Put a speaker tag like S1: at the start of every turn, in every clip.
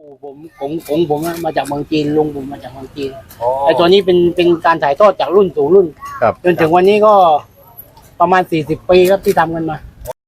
S1: ปู่ผมของผมมาจากเมืองจีนลุงผมมาจากเมืองจีน
S2: อ๋อ
S1: ไอ้ตัวนี้เป็นการถ่ายทอดจากรุ่นสู่รุ่น
S3: ครับ
S1: จนถึงวันนี้ก็ประมาณ40 ปีครับที่ทำกันมา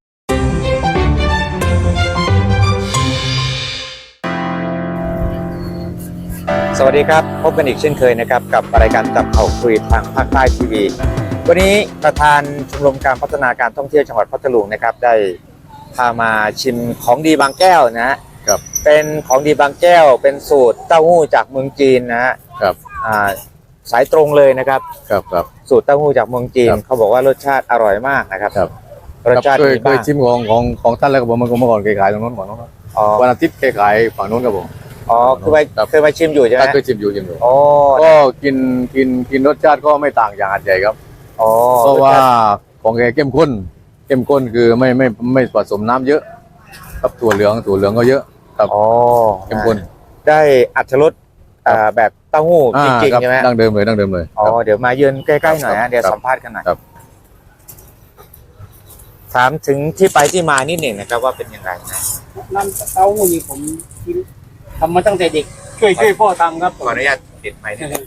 S2: สวัสดีครับพบกันอีกเช่นเคยนะครับกับรายการจับเข่าคุยทางภาคใต้ทีวีวันนี้ประธานชมรมการพัฒนาการท่องเที่ยวจังหวัดพัทลุงนะครับได้พามาชิมของดีบางแก้วนะฮะ
S3: ครับ
S2: เป็นของดีบางแก้วเป็นสูตรเต้าหู้จากเมืองจีนนะฮะ
S3: ครับ
S2: สายตรงเลยนะครับ
S3: ครับ
S2: สูตรเต้าหู้จากเมืองจีน
S3: ครับ
S2: เขาบอกว่ารสชาติอร่อยมากนะครับ
S3: ครับ
S2: รสชาติ
S3: เคย
S2: ดีมาก
S3: ชิมของท่านแล้วครับผมเมื่อก่อนเคยขายตรงนู้นก่อนนู้น
S2: อ๋อ
S3: วันอาทิตย์เคยขายฝั่งนู้นครับผม
S2: อ๋อคือไป
S3: ครับ
S2: เคยมาชิมอยู่ใช่ไหม
S3: ท่านเคยชิมอยู่
S2: อ๋อ
S3: ก็กินรสชาติก็ไม่ต่างจากหาดใหญ่ครับ
S2: อ๋อ
S3: เพราะว่าของแกเข้มข้นคือไม่ผสมน้ำเยอะครับถั่วเหลืองก็เยอะครับ
S2: อ๋อ
S3: เข้มข้น
S2: ได้อัตรรสแบบเต้าหู้จริง
S3: ค
S2: ๆใช่ไหม
S3: ดั้งเดิมเลย
S2: อ๋อเดี๋ยวมาเยือนใกล้ๆหน่อย
S3: ครั
S2: ฮะ
S3: บ
S2: เดี๋ยว
S3: ครับ
S2: สัมภาษณ์กันหน่อย
S3: ครับ
S2: ถามถึงที่ไปที่มานิดหนึ่งนะครับว่าเป็นยังไงนะ
S1: น้ำเต้าหู้นี่ผมทำมาตั้งแต่เด็กช่วยพ่อทำครับ
S2: ขออนุญาตติดไมค์นิดนึง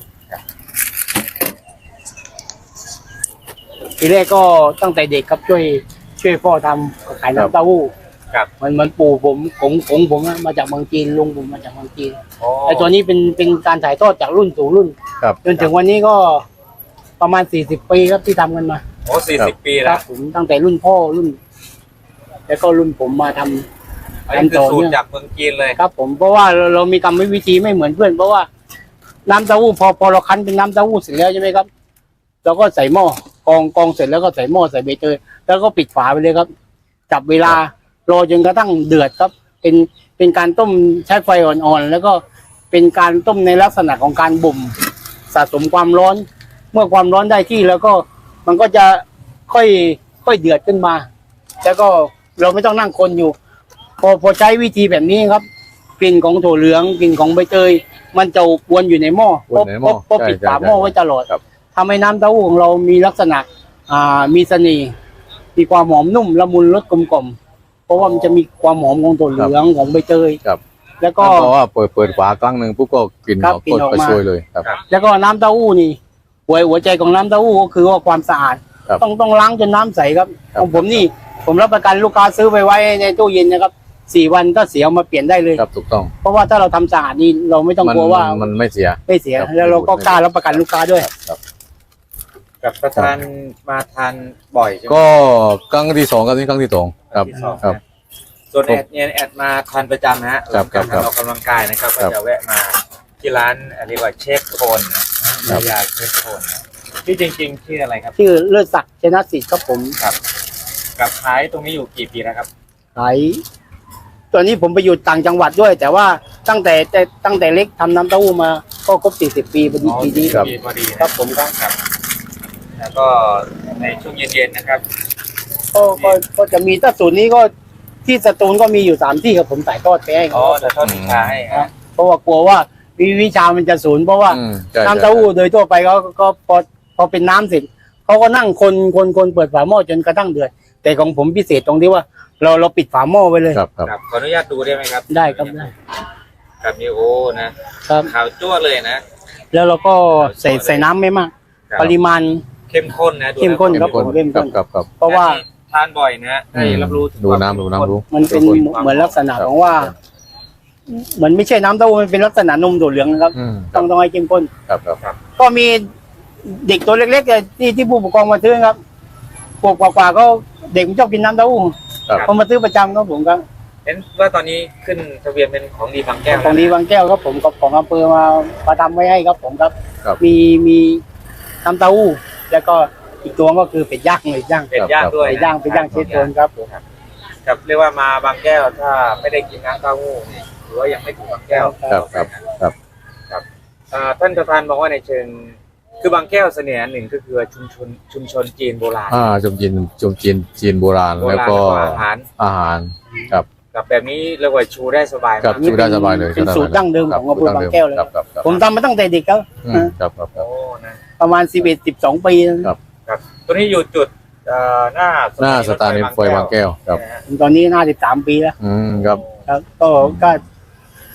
S1: ทีแรกก็ตั้งแต่เด็กครับช่วยพ่อทำขายน้ำเต้าหู้
S2: ครับ
S1: มันปู่ผมของผมมาจากเมืองจีนลุงผมมาจากเมืองจีน
S2: อ๋อ
S1: ไอ้ตัวนี้เป็นการถ่ายทอดจากรุ่นสู่รุ่น
S3: ครับ
S1: จนถึงวันนี้ก็ประมาณ40 ปีครับที่ทำกันมา
S2: โอ้40 ปี
S1: ค
S2: แล้
S1: รั
S2: ว
S1: บผมตั้งแต่รุ่นพ่อรุ่น แล้วก็รุ่นผมมาทำ
S2: อันนี้คือสูตรจากเมืองจีนเลย
S1: ครับผมเพราะว่าเรามีกรรมวิธีไม่เหมือนเพื่อนเพราะว่าน้ำเต้าหู้พอเราคั้นเป็นน้ำเต้าหู้เสร็จแล้วใช่ไหมครับเราก็ใส่หม้อกองเสร็จแล้วก็ใส่หม้อใส่ใบเตยแล้วก็ปิดฝาไปเลยครับจับเวลารอจนกระทั่งเดือดครับเป็นการต้มใช้ไฟอ่อนๆแล้วก็เป็นการต้มในลักษณะของการบ่มสะสมความร้อน เมื่อความร้อนได้ที่แล้วก็มันก็จะค่อยเดือดขึ้นมา แล้วก็เราไม่ต้องนั่งคนอยู่ พอใช้วิธีแบบนี้ครับกลิ่นของถั่วเหลืองกลิ่นของใบเตยมันจะวนอยู่ในหม้อ
S3: วนในหม้อ
S1: เพราะปิด
S3: ใช่
S1: ฝาหม้อไว้ตลอด
S3: ครับ
S1: ทำให้น้ำเต้าหู้ของเรามีลักษณะมีเสน่ห์มีความหอมนุ่มละมุนรสกลมกล่อมเพราะว่ามันจะมีความหอมของถั่วเหลืองของใบเตย
S3: ครับ
S1: แล้ว
S3: ก็
S1: ก็
S3: เพราะว่าเปิดฝาครั้งหนึ่งปุ๊บก็กลิ่น
S1: ครับ
S3: ออก
S1: กลิ่นออก
S3: ก็
S1: มา
S3: ช่วยเลยครับ
S1: แล้วก็น้ำเต้าหู้นี่หัวใจของน้ำเต้าหู้ก็คือว่าความสะอาด
S3: ครับ
S1: ต้องล้างจนน้ำใสครับ
S3: ครับ
S1: ของผมนี่ผมรับประกันลูกค้าซื้อไปไว้ในตู้เย็นนะครับ4 วันก็เสียเอามาเปลี่ยนได้เลย
S3: ครับถูกต้อง
S1: เพราะว่าถ้าเราทำสะอาดนี่เราไม่ต้องกลัวว่า
S3: มันไม่เสีย
S1: ไม่เสีย
S3: ครับ
S1: แล้วเราก็กล้ารับประกันลูกค้าด้วย
S3: ครับ
S2: กับประธานมาทานบ่อยใช่ไหม
S3: ก็ครั้งที่สองครับนี่ครั้งที่สองครับ
S2: ที่สอง
S3: ครับ
S2: นะส่วนแอดมาทานประจำนะฮะ
S3: ครับ
S2: การ
S3: ครับ
S2: ออกกำลังกายนะครับ
S3: ครั
S2: ก็
S3: บ
S2: จะแวะมาที่ร้านเรียกว่าเชฟโคนนะยาเชฟโคนนะที่จริงๆชื่ออะไรครับ
S1: ชื่อเลิศศักดิ์ชนะสิทธิ์ครับผม
S2: กับขายตรงนี้อยู่กี่ปีแล้วครับ
S1: ขายตอนนี้ผมไปอยู่ต่างจังหวัดด้วย แต่ว่าตั้งแต่เล็กทำน้ำเต้าหู้มาก็ครบ40 ปีพอดีปีนี้
S3: ครับ
S2: ปีพอดีนะครับ
S1: ผมครับ
S2: ครับ แล้วก็ในช่วงเย็นๆนะครับ
S1: ก็จะมีถ้าศูนย์นี้ก็ที่สตูลก็มีอยู่3 ที่ครับผมถ่ายทอดไปให้
S2: อ๋
S1: เขา
S2: อจะทอดวิชาให้
S1: ครั
S2: ฮะ
S1: บเพราะว่ากลัวว่าวิชามันจะศูนย์เพราะว่า
S3: ใช่
S1: น้ำเต้าหู้โดยทั่วไปเขาก็พอเป็นน้ำเสร็จเขาก็นั่งคนเปิดฝาหม้อจนกระทั่งเดือดแต่ของผมพิเศษตรงที่ว่าเราปิดฝาหม้อไว้เลย
S3: ครับ
S2: ครับขออนุญาตดูได้ไหมครับ
S1: ได้ครับได้
S2: ครับนี่โอ้นะครับ ขาวจั่วเลยนะ
S1: แล้วเราก็ใส่น้ำไม่มาก
S2: ครับ
S1: ปริมาณ
S2: เข้มข้นนะดู
S1: เข้มข้น
S2: แล้ว
S1: ครับผมเข้มข้น
S3: ครับ
S1: เพราะว่า
S2: ทานบ่อยนะให้รับรู้ถึง
S3: ดู
S2: ความ
S3: น้ำ
S2: เข้
S3: ดู
S2: ข้
S3: น้ำรู้
S1: มันเป็นเหมือนลักษณะของว่าเหมือนไม่ใช่น้ำเต้าหู้มันเป็นลักษณะนมถั่วเหลืองนะครับ ต้องให้เข้มข้น
S3: ครับ
S1: ก็มีเด็กตัวเล็กๆที่ผู้ปกครองมาซื้อครับปกกว่าก็เด็กมันชอบกินน้ำเต้าหู้
S3: ครับ
S1: เขามาซื้อประจำครับผมครับ
S2: เห็นว่าตอนนี้ขึ้นทะเบียนเป็นของดีบางแก้ว
S1: ของดีบางแก้วครับผมกับของอำเภอมาทำไว้ให้ครับผมครับ
S3: ครับ
S1: มีน้ำเต้าหู้แล้วก็อีกตัวก็คือเป็ดย่างเลยย่าง
S2: เป็ดย่างด้วย
S1: เป็ดย่างเชฟโทนครับผม
S2: ครับเรียกว่ามาบางแก้วถ้าไม่ได้กินน้ำเต้าหู้นี่หรือว่ายังไม่ถึงบางแก้ว
S3: ครับ
S2: ท่านประธานบอกว่าในเชิงคือบางแก้วเสน่ห์อันหนึ่งก็คือชุมชนจีนโบราณ
S3: จมจีนโบราณ
S2: โบราณ
S3: แล้วก็
S2: อาหาร
S3: ครับ
S2: กับแบบนี้เรียกว่าชูได้สบาย
S3: ครับ
S2: มาก
S3: ชูได้สบายเลย
S1: เป็นสูตรดั้งเดิมของอำเภอบางแก้วเลย
S3: ครับ
S1: ผมทำมาตั้งแต่เด็กครับ
S3: ครับ
S2: โอ้นะ
S1: ประมาณ11-12 ปี
S3: ครับ
S2: ครับตัวนี้อยู่จุดหน้า
S3: หน้าสถานีรถไฟบางแก้วครับ
S2: นะฮะ
S1: ตอนนี้53 ปีแล้ว
S3: ครับ
S1: ครับก็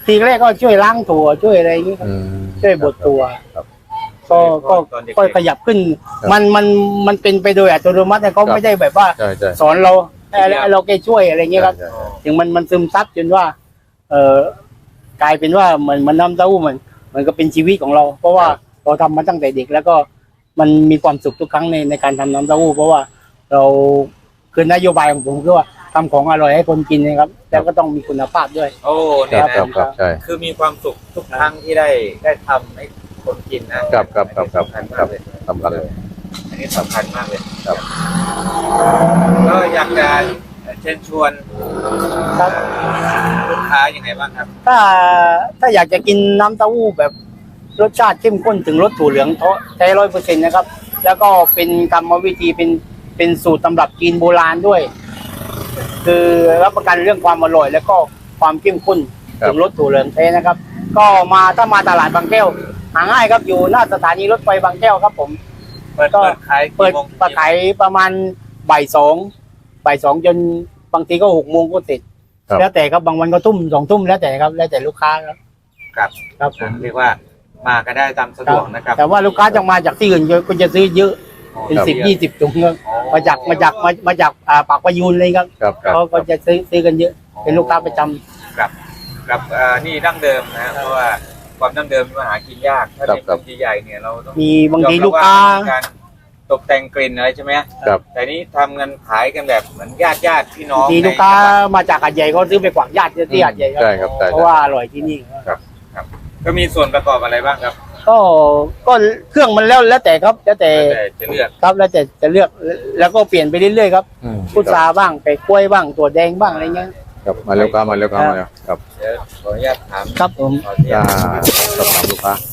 S1: ทีแรกก็ช่วยล้างตัวช่วยอะไรอย่างนี้ครับ
S3: อืม
S1: ช่วยบดตัว
S3: ครับ
S1: ก็
S2: ตอนเด็กๆ
S1: ก็ขยับขึ้น
S3: ครับ
S1: มันเป็นไปโดยอัตโนมัติแต่เขา
S3: ครับ
S1: ไม่ได้แบบว่า
S3: ใช่ใช่
S1: สอนเราให้เราแค่ช่วยอะไรอย่างเงี้ยครับ
S3: ใช่ใช่
S1: ถึงมันซึมซับจนว่า กลายเป็นว่ามันน้ำเต้าหู้มันก็เป็นชีวิตของเรา เพราะว่าเราทำมาตั้งแต่เด็ก แล้วก็มันมีความสุขทุกครั้งในการทำน้ำเต้าหู้เพราะว่าเราคือนโยบายของผมคือว่าทำของอร่อยให้คนกินนะครับ แล้วก็ต้องมีคุณภาพด้วย
S2: โอ้
S3: ค
S2: เนี่ย
S3: รับ
S2: นะครับ
S3: ครับใช่
S2: คือมีความสุขทุกครั้งที่ได้ทำให้คนกินนะครับ
S3: ครับครับครับ
S2: สำคัญ
S3: ครั
S2: มาก
S3: บ
S2: เลย
S3: สำคัญเลย
S2: อันนี้สำคัญมากเลย
S3: ครับ
S2: ก็อยากจะเชิญชวน
S1: ครับ
S2: ลูกค้ายังไงบ้างครับ
S1: ถ้าอยากจะกินน้ำเต้าหู้แบบรสชาติเข้มข้นถึงรสถั่วเหลืองแท้100%นะครับ แล้วก็เป็นกรรมวิธีเป็นสูตรตำรับจีนโบราณด้วย คือรับประกันเรื่องความอร่อย แล้วก็ความเข้มข้น
S3: ครับ
S1: ถึงรสถั่วเหลืองแท้นะครับ ก็ถ้ามาตลาดบางแก้วหาง่ายครับอยู่หน้าสถานีรถไฟบางแก้วครับผม
S2: เปิดขาย
S1: เปิด
S2: กี่โมง
S1: ขายประมาณบ่ายสองจนบางทีก็6 โมงก็เสร็จ
S3: ครับ
S1: แล้วแต่ครับบางวันก็ทุ่ม2 ทุ่มแล้วแต่ครับ แล้วแต่ลูกค้าครับ
S2: ครับ
S1: ครับผม
S2: เรียกว่ามาก็ได้ตามสะดวกนะครับ
S1: แต่ว่าลูกค้าจะมาจากที่อื่นก็จะซื้อเยอะเป็น
S3: ครับ
S1: 10-20 ถุงครับ
S2: อ๋อ
S1: มาจากปากประยูนเลยครับ
S3: ครับครับ
S1: เขาก็จะซื้อกันเยอะ เป็นลูกค้าประจำ
S2: ครับนี่ดั้งเดิมนะเพราะว่าความดั้งเดิมมันหากินยากถ้า
S3: ครับ
S2: เป็น
S3: ครับ
S2: คนใหญ่ๆเนี่ยเราต้อง
S1: มีบางที
S2: ยอมรับ
S1: ลูกค้า
S2: ว่มันมีการตกแต่งกลิ่นอะไรใช่ไหม
S3: ครับ
S2: แต่นี้ทำกันขายกันแบบเหมือนญาติพี่น้อง
S1: ทีลูกค้ามาจากหาดใหญ่เขาซื้อไปกวางญาติที่หาดใหญ่ครั
S3: ใช่ครับใช่
S1: เพราะว่าอร่อยที่นี่ครับ
S2: ก็มีส่วนประกอบอะไรบ้างครับ
S1: ก็เครื่องมันแล้วแต่ครับ แล้วแต่
S2: แต่จะเลือก
S1: ครับแล้วแต่จะเลือกแล้วก็เปลี่ยนไปเรื่อยๆครับ
S3: อืม
S1: พุทราบ้างไปกล้วยบ้างตัวแดงบ้างอะไรเงี้ย
S3: ครับมาเร็วครับมาเร็วครับมาเร็วครับ
S2: เดี๋ยวขออนุญาตถาม
S1: ครับผม
S2: ขออนุญา
S3: จะ
S2: ต
S3: สอบถามลูกค้า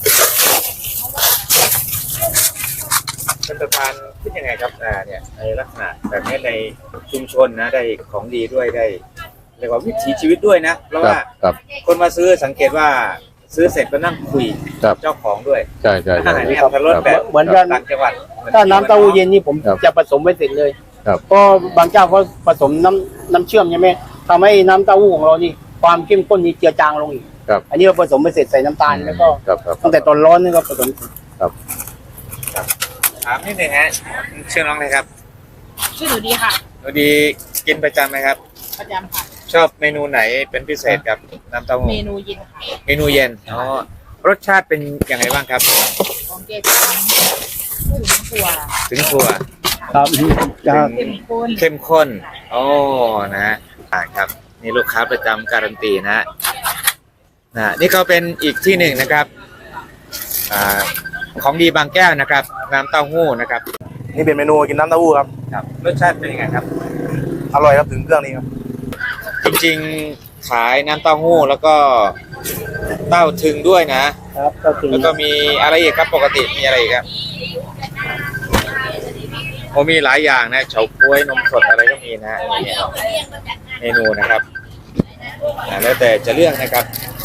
S2: ท่านประธานคิดยังไงครับเนี่ยในลักษณะแบบนี้ในชุมชนนะได้ของดีด้วยได้เรียกว่าวิถีชีวิตด้วยนะเพราะ
S3: ครับ
S2: ว่า
S3: ครับ
S2: คนมาซื้อสังเกตว่าซื้อเสร็จก็นั่งคุย
S3: ครับ
S2: เจ้าของด้วย
S3: ใช่ใช่ใช่
S2: ไม่เอาคันรถแบบ
S1: เหมือนกัน
S2: ต่างจังหวัด
S1: ถ้าน้ำเต้าหู้เย็นนี่ผม
S3: ครับ
S1: จะผสมไว้เสร็จเลย
S3: ครับ
S1: ก็บางเจ้าเขาผสมน้ำเชื่อมใช่ไหมทำให้น้ำเต้าหู้ของเรานี่ความเข้มข้นนี่เจือจางลงอีก
S3: ครับ
S1: อันนี้เราผสมไปเสร็จใส่น้ำตาลแล้วก็
S3: ครับครับ
S1: ตั้งแต่ตอนร้อนนี่ก็ผสม
S2: ถามนิดนึงฮะชื่อน้องอะไรครับ
S4: ชื่อหนูดีค่ะ
S2: หนูดีกินประจำไหมครับ
S4: ประจำค่ะ
S2: ชอบเมนูไหนเป็นพิเศษกับน้ำเต้าหู้
S4: เมนูเย็นค่ะ
S2: เมนูเย็นอ๋อรสชาติเป็นยังไงบ้างครับ
S4: ของเจจะถึงถั่ว
S2: ถึงถั่ว
S1: ครับครับ
S4: เข้มข้น
S2: เข้มข้น โอ้นะฮะครับ นี่ลูกค้าประจำการันตีนะฮะนี่ก็เป็นอีกที่หนึ่งนะครับของดีบางแก้วนะครับ น้ำเต้าหู้นะครับ
S5: นี่เป็นเมนูกินน้ำเต้าหู้ครับ
S2: ครับ รสชาติเป็นยังไงครับ
S5: อร่อยครับถึงเครื่องนี้ครับ
S2: จริงๆขายน้ำเต้าหู้แล้วก็เต้าถึงด้วยนะ
S1: ครับก็คือ
S2: แล้วก็มีอะไรอีกครับปกติมีอะไรอีกครับโอ้มีหลายอย่างนะเฉาก๊วยนมสดอะไรก็มีนะฮะนี่เมนูนะครับแล้วแต่จะเลือกนะครับ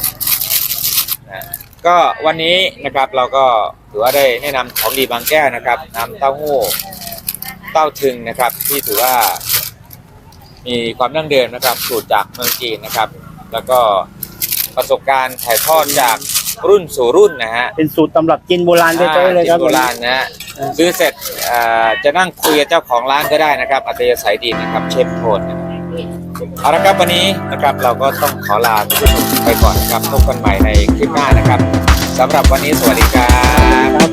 S2: ก็วันนี้นะครับเราก็ถือว่าได้แนะนำของดีบางแก้วนะครับน้ำเต้าหู้เต้าถึงนะครับ ที่ถือว่ามีความดั้งเดิมนะครับสูตรจากเมืองจีนนะครับ แล้วก็ประสบการณ์ถ่ายทอดจากรุ่นสู่รุ่นนะฮะ
S1: เป็นสูตรตำรับจีนโบราณแท้ๆเลยครับ
S2: โบราณนะฮะซื้อเสร็จจะนั่งคุยกับเจ้าของร้านก็ได้นะครับอัธยาศัยดีนะครับเชฟโทนเอาละครับวันนี้นะครับเราก็ต้องขอลาทุกท่านไปก่อนนะครับพบกันใหม่ในคลิปหน้านะครับสำหรับวันนี้สวัสดีครับ